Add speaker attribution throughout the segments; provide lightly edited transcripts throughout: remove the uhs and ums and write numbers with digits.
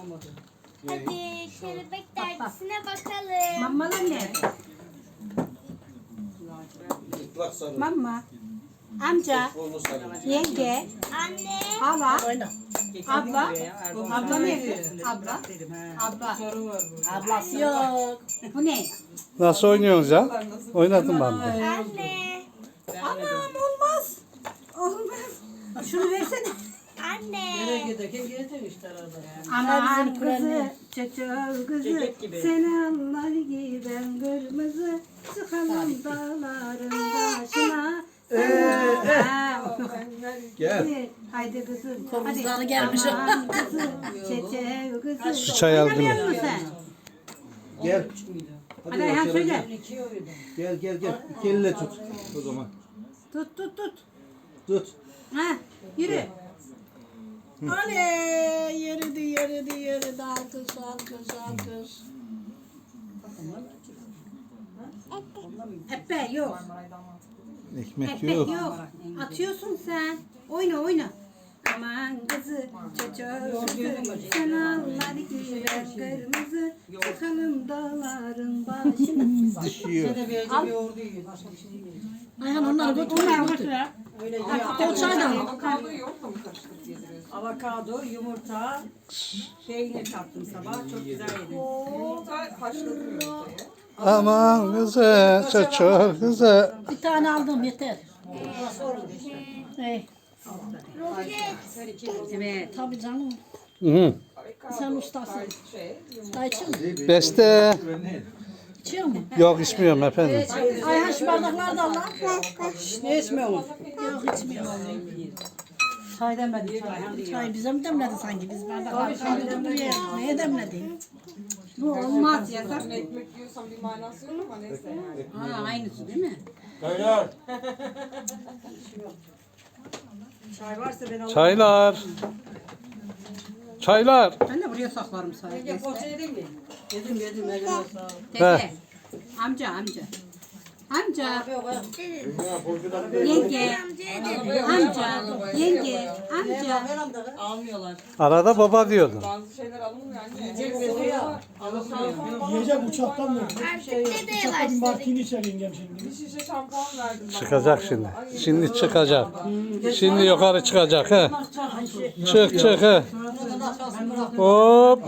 Speaker 1: Hadi kelebek dergisine bakalım.
Speaker 2: Mamalar nerede? Mama, amca, yenge,
Speaker 1: Anne.
Speaker 2: hala, abla, abla nerede? Abla, ablası yok. Bu ne?
Speaker 3: Nasıl oynuyorsunuz ya? Oynadım ben de.
Speaker 1: Anne.
Speaker 2: Anam olmaz. Olmaz. Şunu versene.
Speaker 1: Anne.
Speaker 2: Aman kızı, çocuğun kızı, sen anlar giden kırmızı, çıkalım dağların başına.
Speaker 3: Gel.
Speaker 2: Haydi kızım.
Speaker 4: Komuzları gelmiş.
Speaker 2: Aman kızı, çiçeği kızı.
Speaker 3: Şu çay aldın mı?
Speaker 2: Oynamıyor musun sen?
Speaker 5: Gel.
Speaker 2: Hadi Ayhan söyle.
Speaker 5: Gel. İki elle tut o zaman.
Speaker 2: Tut.
Speaker 5: Tut.
Speaker 2: Ha, yürü.
Speaker 4: Oley! Yürüdü. Alkış.
Speaker 2: Epe yok.
Speaker 3: Ekmek
Speaker 2: Ekmek
Speaker 3: yok.
Speaker 2: yok. Atıyorsun sen. Oyna. Aman kızı, çocuğu kızı, sen anlar gider kırmızı, çıkalım dağların başına.
Speaker 3: Düşüyor.
Speaker 4: Ayhan onları götür. O çaydan.
Speaker 6: Avokado, yumurta, peynir kattım sabah. Çok güzel yedim.
Speaker 7: Haşladım yumurtayı.
Speaker 3: Aman kızı, çocuğu kızı.
Speaker 4: Bir tane aldım yeter.
Speaker 2: Evet.
Speaker 4: Tabii canım.
Speaker 3: Hı.
Speaker 4: Sen ustasın. Usta içiyor musun?
Speaker 3: Beste.
Speaker 4: İçiyor mu?
Speaker 3: Yok içmiyorum efendim.
Speaker 4: Ayhan şu bardakları da al lan.
Speaker 6: Ne içmiyorsun?
Speaker 4: Yok içmiyorum.
Speaker 6: Çay demedim.
Speaker 4: Çay bize mi demledi sanki? Biz bardakları kaldırdık buraya. Neye demledi?
Speaker 2: Bu olmaz yasak.
Speaker 7: Ekmek yiyorsam bir manası yok ama neyse.
Speaker 2: Ha, aynısı değil mi?
Speaker 6: Çay varsa ben alırım.
Speaker 3: Çaylar.
Speaker 2: Ben de buraya saklarım sadece.
Speaker 6: Poğaça yedin mi? Yedim. Eline sağlık.
Speaker 2: Teyze. Amca. Yenge. Amca.
Speaker 6: Almıyorlar.
Speaker 3: Arada baba diyordun.
Speaker 7: Bazı şeyler alınmıyor anne.
Speaker 8: Yiyecek uçaktan mı?
Speaker 1: Artık ne de
Speaker 8: Uçaktan martini içer yengem şimdi.
Speaker 7: Bir şişe şampuan verdim ben.
Speaker 3: Çıkacak şimdi. Şimdi çıkacak. Şimdi yukarı çıkacak he. Çık he. Hop.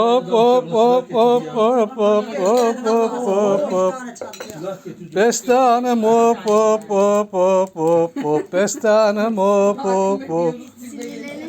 Speaker 3: Beste hanım hop. Beste hanım hop.
Speaker 1: Sinirlerini